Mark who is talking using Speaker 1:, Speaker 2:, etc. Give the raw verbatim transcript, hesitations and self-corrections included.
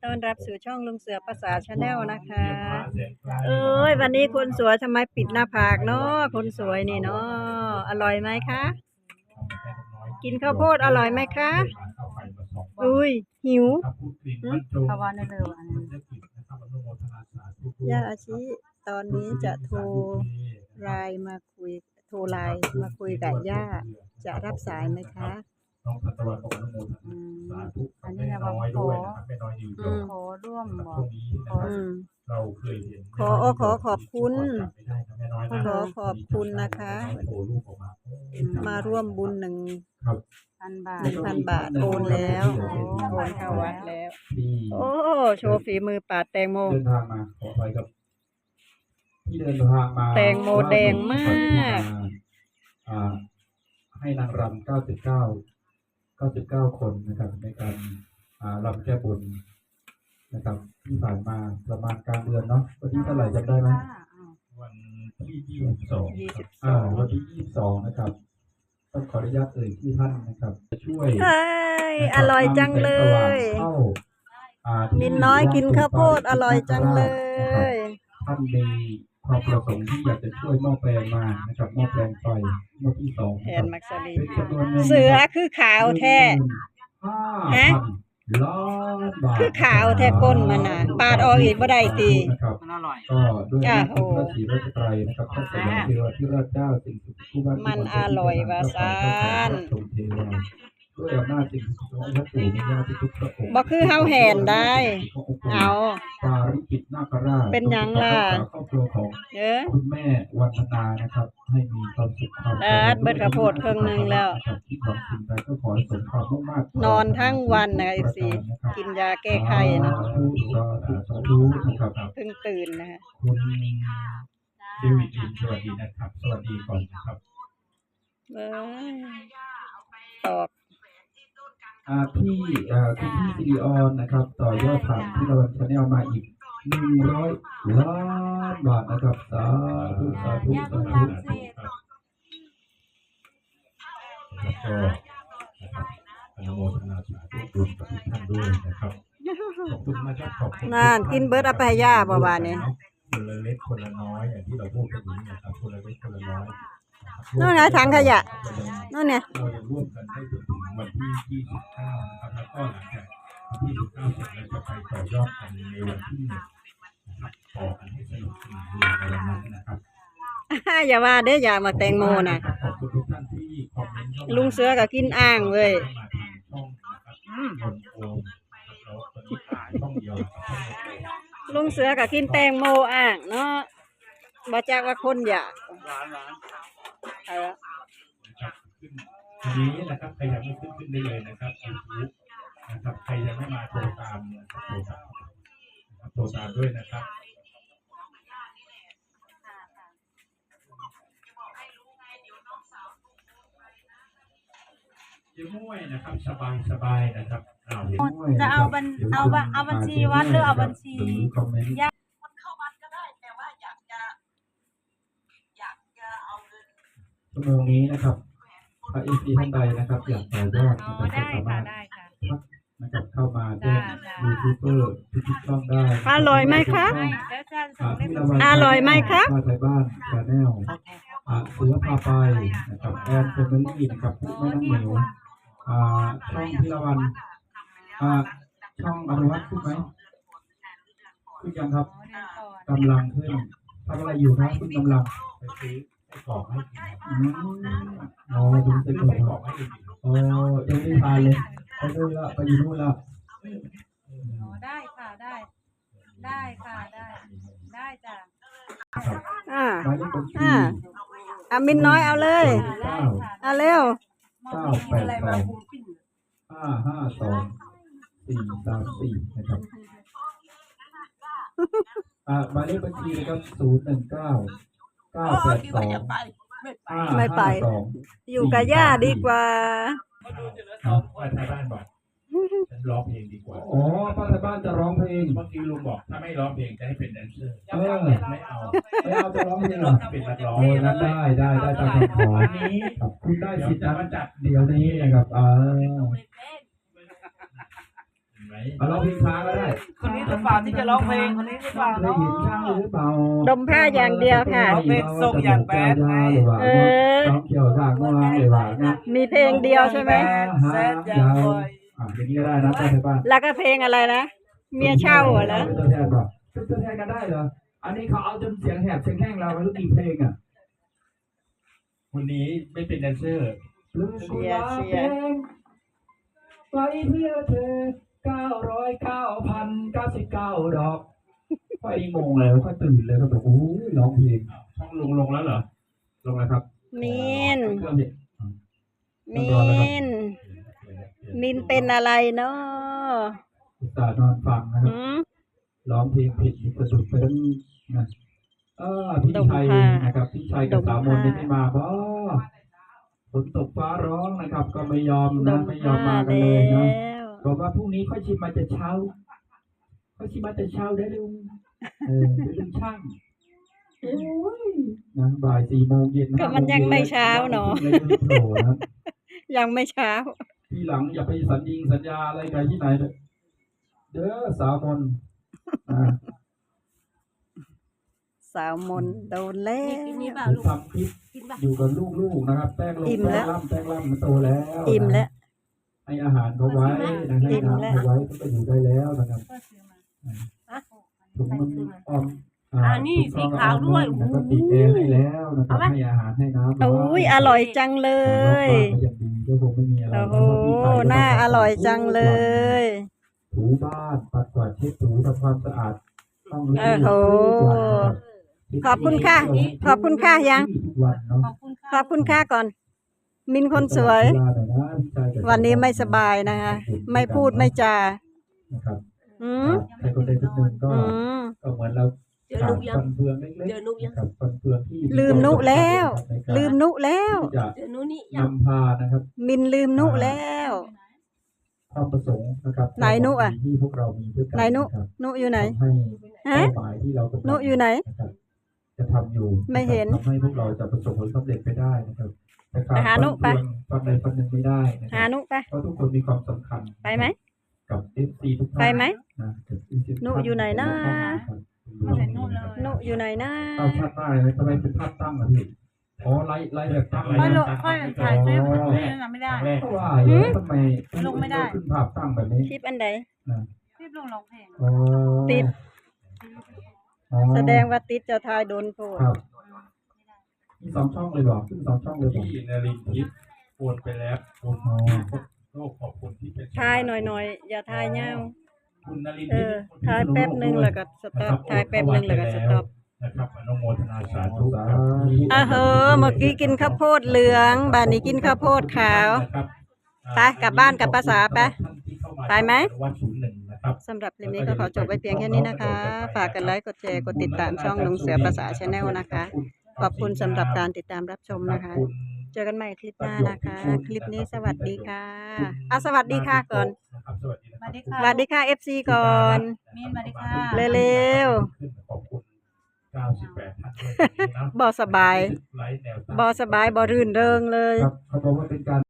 Speaker 1: ต้อนรับสู่ช่องลุงเสือภาษาชาแนลนะคะเอ้ยวันนี้คนสวยทำไมปิดหน้าผากเนาะคนสวยนี่เนาะอร่อยไหมคะกินข้าวโพดอร่อยไหมคะอุ้ยหิว
Speaker 2: ภาวะในเร็วอันนี้
Speaker 1: ย่าอาชิตอนนี้จะโทรไลน์มาคุยโทรไลน์มาคุยกับย่าจะรับสายไหมคะ
Speaker 3: น้องทันตะวันบอกอนุโมทนาสาธุอันนี้นะน้อยด้วยนะครับไม่น้อยอยู่
Speaker 2: ขอร่วมบอก
Speaker 3: ตรงนี้นะครับเราเคยเห็น
Speaker 1: ขอขอขอบคุณขอขอบคุณนะคะมาร่วมบุญหนึ่ง
Speaker 2: พันบาท
Speaker 1: หนึ่งพันบาทโอนแล้วโอนเข้าวัดแล้วโอ้โชว์ฝีมือปาดแตงโม
Speaker 3: เดินทางมาขอไปกับที่เดินทางมา
Speaker 1: แตงโมแดงมาก
Speaker 3: ให้นางรำเก้าสิบเก้าเก้าสิบเก้าคนนะครับในการรำแก้บนนะครับที่ผ่านมาประมาณกลางเดือนเนาะวันที่เท่าไหร่จำได้ไหมวันที่ยี่สิบสองอ่าวันที่ยี่สิบสองนะครับต้องขออนุญาตเอ่ยที่ท่านนะครับจะช่วย
Speaker 1: อร่อยจังเลยมินน้อยกินข้าวโพดอร่อยจังเลย
Speaker 3: ท่านมีความประสงค์ที่อยากจะช่วยหม้อแปลงมานะครับหม้อแปลงไฟหม้อที่สอง
Speaker 1: แทนมักซาลีเสือคือขาวแท้ฮะคือขาวแท้ก้นมันน่ะปาดออกอีกบ่ได้ตี
Speaker 2: มันอร่อย
Speaker 3: ก็ด้วยพระศรีรัตนตรัยนะครับพระสยามเทวทิราชเจ้าสิ่งศักดิ์สิทธิ์
Speaker 1: มันอร่อยวาซาน
Speaker 3: ด้วยอำนาจสิ่งศักดิ์สิทธิ์ของพระปู่ย่าที่ทุกพระองค์
Speaker 1: บ่คือเฮาแห่นได้เอา
Speaker 3: ปาริกิตนาคราช
Speaker 1: เป็นหยังล่ะ
Speaker 3: ครอบครัวของคุณแม่วันธนานะครับให้มีความสุขความ
Speaker 1: เอิดเบิดข้าวโพดครึ่งนึงแล้ว
Speaker 3: ที่หวังสิ่งใดก็ขอให้สมความมุ่งมั่น
Speaker 1: นอนทั้งวันนะไอ้สิกินยาแก้ไข้นะเพิ่งตื่นนะคะ
Speaker 3: คุณเดวิดอินสวัสดีนะครับสวัสดีก่อนนะครับ
Speaker 1: เอ้ยตอบ
Speaker 3: อ่าพี่อ่าคุณพี่ซิริออนนะครับต่อยอดผ่านที่เราชาแนลมาอีกหนึ่งร้อยล้านบาทนะครับสาธุสาธุสาธุแล้วก็นะครับอนุโมทนาสาธุบุญกับทุกท่านด้วยนะครับขอบคุณนะครับขอบคุณ
Speaker 1: นั่นกินเบิร์ดอภัยยาบ่าวเนี่ย
Speaker 3: คนละเล็กคนละน้อยอย่างที่เราพูดกันอยู่นะครับคนละเล็กคนละน้อย
Speaker 1: นู่นไงถังขยะนู่นเนี่ย
Speaker 3: เราจะร่วมกันให้จนถึงวันที่ยี่สิบเก้านะครับแล้วก็หลังจากวันที่ยี่สิบเก้าเสร็จเราจะไปต่อยอดกันในวันที่หนึ่งนะครับต่อกันให้สนุกสนานในวันนั้นนะครับ
Speaker 1: อย่าว่าเด้ออย่ามาแตงโมนะ
Speaker 3: ขอบคุณทุกท่านที่คอมเมนต์
Speaker 1: ลุงเสือก็กินอ่างเว้ยลุงเสือก็กินแตงโมอ่างเนาะบ่จักว่าคนอยาก
Speaker 3: เออทีนี้นะครับใครยังไม่ขึ้นขึ้นได้เลยนะครับยูทูบนะครับใครยังไม่มาโทรตามเนี่ยโทรตามโทรตามด้วยนะครับเดี๋ยวม้วยนะครับสบายสบายนะครับ
Speaker 2: จะเอาบัญเอาบัญเอาบัญชีวัดหรือเอาบัญชี
Speaker 3: ยากเข้าวัดก็ได้แต่ว่าอยากจะอยากจะเอาเงินชั่วโมงนี้นะครับถ้าเอฟซีท่านใดนะครับอยากต่อยอดนะครับก็สามารถนะครับเข้ามาแจ้งยูทูบเบอร์ทุกช่องได้
Speaker 1: อร่อยไหมคะอร่อยไหมคะ
Speaker 3: มาไทยบ้านชาแนลเสือพาไปนะครับแอนเฟมิลี่นะครับแม่น้องเหมียวช่องพิรวันช่องอนุวัฒน์ขึ้นไหมขึ้นยังครับกำลังขึ้นทำอะไรอยู่ครับคุณกำลังไปซื้อไปกรอกให้กินอืมอ๋อดูไปกรอกให้กินอ๋อยังไม่ทานเลยไปดูละไปอยู่นู่นละ
Speaker 2: ได้ค่ะได้ได้ค่ะได้ได้จ้ะ
Speaker 1: อ่าอ่าอามินน้อยเอาเลยเอาเร็ว
Speaker 3: เก้าแปดสองห้าห้าสองสี่สามสี่นะครับอ่าหมายเลขบัญชีนะครับศูนย์หนึ่งเก้าเก้าแปดสอง
Speaker 1: ไม่ไปอยู่กับย่าดีกว่า
Speaker 3: เอาไปทางบ้านบอกฉันร้องเพลงดีกว่าอ๋อป้าทางบ้านจะร้องเพลงเมื่อกี้ลุงบอกถ้าไม่ร้องเพลงจะให้เป็นแดนเซอร์เออไม่เอาไม่เอาจะร้องเพลงหรอเป็นนักร้องโอ้นั้นได้ได้ได้ตามคำขอนี้คุณได้สิทธิ์นะเดี๋ยวนี้นะครับเออเห็นไหมเอาร้องเพลงช้าก็ได้
Speaker 4: คนนี้หรือเปล่าที่จะร้องเพลงคนนี้หรือเปล่า
Speaker 3: เคยเห็นช้างหรือเปล่า
Speaker 1: ดมผ้าอย่างเดียวค่ะ
Speaker 4: เอาเพลงส่งอย่างแบดไง
Speaker 3: หรือว่า
Speaker 1: เออ
Speaker 3: ร้องเกี่ยวกับงวงหรือว่านะ
Speaker 1: มีเพลงเดียวใช่ไหม
Speaker 4: แซดอย่างบ่อย
Speaker 3: อ่ะอย่างนี้ก็ได้นะใช่ป่ะ
Speaker 1: แล้วก็เพลงอะไรนะเมียเช่าเหรอ
Speaker 3: เป็นตัวแทนป่ะเป็นตัวแทนกันได้เหรออันนี้เขาเอาจนเสียงแหบเสียงแห้งเราไม่รู้กี่เพลงอ่ะ
Speaker 5: วันนี้ไม่เป็นแดนเซอร์
Speaker 1: เชียร์เชียร์
Speaker 3: ไว้เพื่อเธอเก้าร้อยเก้าพันเก้าสิบเก้าดอกไฟงงเลยก็ตื่นเลยก็แบบโอ้ยร้องเพลง
Speaker 5: ช่องลงลงแล้วเหรอ
Speaker 3: ลงแล้วครับ
Speaker 1: มิน
Speaker 3: เครื่องเด็ก
Speaker 1: มินมินเป็นอะไรเนาะ
Speaker 3: อุตส่าห์นอนฟังนะครับ
Speaker 1: หืม
Speaker 3: ร้องเพลงผิดกระดุดไปทั้งนะเออพี่ชัยนะครับพี่ชัยกับสาวมนต์นี่ไม่มาบ่ฝนตกฟ้าร้องนะครับ ก็ไม่ยอม
Speaker 1: ด
Speaker 3: นะ
Speaker 1: ม
Speaker 3: ไม่ยอ
Speaker 1: ผ้าม
Speaker 3: มากัน
Speaker 1: แล้
Speaker 3: เลยนะ
Speaker 1: ว
Speaker 3: บอกว่าพรุ่งนี้ค่อยชิมมาแต่เช้าค่อยชิมมาแต่เช้าได้ลุงเออเดี๋ยวลุงช่างโอ้ยนะบ่ายสี่โมงเย็น
Speaker 1: ก็มันยังไม่เช้าเนอะ
Speaker 3: เลยไม่โผล่นะ
Speaker 1: ยังไม่เช้า
Speaker 3: ทีหลังอย่าไปสัญญิงสัญญาอะไรกันที่ไหนเลยเด้อสาวมนต์อ่า
Speaker 1: สาวมนโดนแล้ว
Speaker 2: กินนี่เปล่า
Speaker 3: ผม
Speaker 2: ลูก
Speaker 3: ทำคลิป
Speaker 2: กินป่ะ
Speaker 3: อยู่กับลูกๆนะครับแป้งลง
Speaker 1: อิ่ม
Speaker 3: แป้
Speaker 1: แล้
Speaker 3: ง
Speaker 1: ว
Speaker 3: ล่ำแป้งล่ำมันโตแล้ว
Speaker 1: อิ่มแล้ว
Speaker 3: ให้อาหารเขาไว้นะให้
Speaker 1: อิ่มแล้ว
Speaker 3: น้ำเขาไว้ก็ไปอยู่ได้แล้วนะครับ
Speaker 2: ก็ซื้อมา
Speaker 3: ถุงมันอ้อม
Speaker 2: อ่านี่
Speaker 3: ถุง
Speaker 2: สีขาวด้วย
Speaker 3: แล้วก็ติดแอร์ให้แล้วนะครับให้อาหารให้น้ำ
Speaker 1: โอ้ยอร่อยจังเลย
Speaker 3: ก็ยังดีก็คงไม่มีอะไร
Speaker 1: โอ้โหน่าอร่อยจังเลย
Speaker 3: ถูบ้านปัดกวาดเช็ดถูทำความสะอาดห้อง
Speaker 1: โอ้โห ขอบคุณค่ะขอบคุณค่ะยัง
Speaker 3: ทุกวันเนาะ
Speaker 2: ขอบคุณค่ะ
Speaker 1: ขอบคุณค่าก่อน มินคนสวย วันนี้ไม่สบายนะคะ ไม่พูดไม่จา
Speaker 3: นะครับ
Speaker 1: อืม
Speaker 3: ใครคนใดคนหนึ่งก็
Speaker 1: อืม
Speaker 3: ก็เหมือนเรา
Speaker 2: เจอนุกยัง
Speaker 3: ฟันเฟืองเล็ก
Speaker 2: เจอนุกยัง
Speaker 3: ๆกับฟันเฟืองที่
Speaker 1: ลืมนุแล้ว ลืมนุแล้ว
Speaker 3: ที่จะ
Speaker 2: เจอนุนี่ยัง
Speaker 3: นำพานะครับ
Speaker 1: มินลืมนุแล้ว
Speaker 3: ความประสงค์นะครับ
Speaker 1: ไหนนุอะ
Speaker 3: ที่พวกเรามีด้วยกั
Speaker 1: ไหนนุ
Speaker 3: ะครับ
Speaker 1: นุอยู่ไหน
Speaker 3: ทำให้
Speaker 1: ฮะ
Speaker 3: เป้าหมายที่เรากำลัง
Speaker 1: นุอยู่ไหน
Speaker 3: นะครับจะทำอยู่
Speaker 1: ไม่เห็น
Speaker 3: ทำให้พวกเราจะประสบผลสำเร็จไปได้นะครับแต่การ
Speaker 1: ไปหานุไป
Speaker 3: ฟันใดฟันหนึ่งไม่ได้นะค
Speaker 1: หา
Speaker 3: รับ
Speaker 1: นุไป
Speaker 3: เพราะทุกคนมีความสำคัญ
Speaker 1: ไปไหม
Speaker 3: กับ เอฟ ซี ทุกท่าน
Speaker 1: ไปไหม
Speaker 3: นะกับ เอฟ ซี ทุก
Speaker 1: นุ
Speaker 3: ท่า
Speaker 1: อยู่ไหนนะ
Speaker 3: ครับ
Speaker 2: มาแต่นู่นเลย
Speaker 1: นุอยู่ไหนนะ
Speaker 3: เอาชัดมากเลยนะทำไมเป็นภาพตั้งอ่ะพี่อ๋อไล่ไล่แบบตั้ง
Speaker 2: ค่อยล
Speaker 3: เลย
Speaker 2: งค่อยถ่ายคลิปนี่นะไม่ได้
Speaker 5: ครั้งแรก
Speaker 3: เพราะว่าเอ๊ะทำไม
Speaker 2: ลงไม่ได้
Speaker 3: ขึ้นภาพตั้งแบบนี้
Speaker 1: คลิปอันใด
Speaker 2: คลิปลงร้องเพลง
Speaker 3: อ๋อ
Speaker 1: ติด
Speaker 3: อ๋อ
Speaker 1: แสดงว่าติดเจะทายโดนโพด
Speaker 3: ครับมีสองช่องเลยบอกขึ้นสองช่องเลยบอก
Speaker 5: พี่นรินทร์ทิพย์โอนไปแล้วคุณ
Speaker 3: อ๋อ
Speaker 5: โลกขอบคุณที่เป็น
Speaker 1: ทายหน่อยๆ อย่าทายเงา
Speaker 5: คุณนรินท
Speaker 1: เอ
Speaker 5: ร์ทิพ
Speaker 1: อ
Speaker 5: ย์
Speaker 1: ทายแป๊บหนึ่งแล้วก็สต็อปทายแป๊บหนึ่งแล้วก็สต็อป
Speaker 5: นะครับอนุโมทนาสาธุครับ
Speaker 1: อ่ะเฮอเมื่อกี้กินข้าวโพดเหลืองบานนี้กินข้าวโพดขาว
Speaker 5: นะครับ
Speaker 1: ไปกลับบ้านกลับภาษาไปไปไหม
Speaker 5: วัดศูนย์หนึ่งนะครับ
Speaker 1: สำหรับคลิปนี้ก็ขอจบไว้เพียงแค่นี้นะคะ ฝากกันไลค์กดแชร์กดติดตามช่องลุงเสือภาษาชาแนลนะคะ ขอบคุณสำหรับการติดตามรับชมนะคะ เจอกันใหม่คลิปหน้านะคะ คลิปนี้สวัสดีค่ะอ่ะสวัสดีค่ะก่อน
Speaker 5: นะครับสวัสดีนะ
Speaker 2: มา
Speaker 5: ครับ
Speaker 2: ดิค่ะ
Speaker 1: สวัสดีค่ะ เอฟ ซี ก่อน
Speaker 2: มินมาดิค่ะ
Speaker 1: เร็ว
Speaker 5: ขอบคุณเก้าสิบแปดท่านด้วยวันนี้นะ
Speaker 1: บ่สบาย
Speaker 5: ไลฟ์แนวตั้ง
Speaker 1: บ่สบายบ่รื่นเริงเลย
Speaker 3: ครับเขาบอกว่าเป็นการ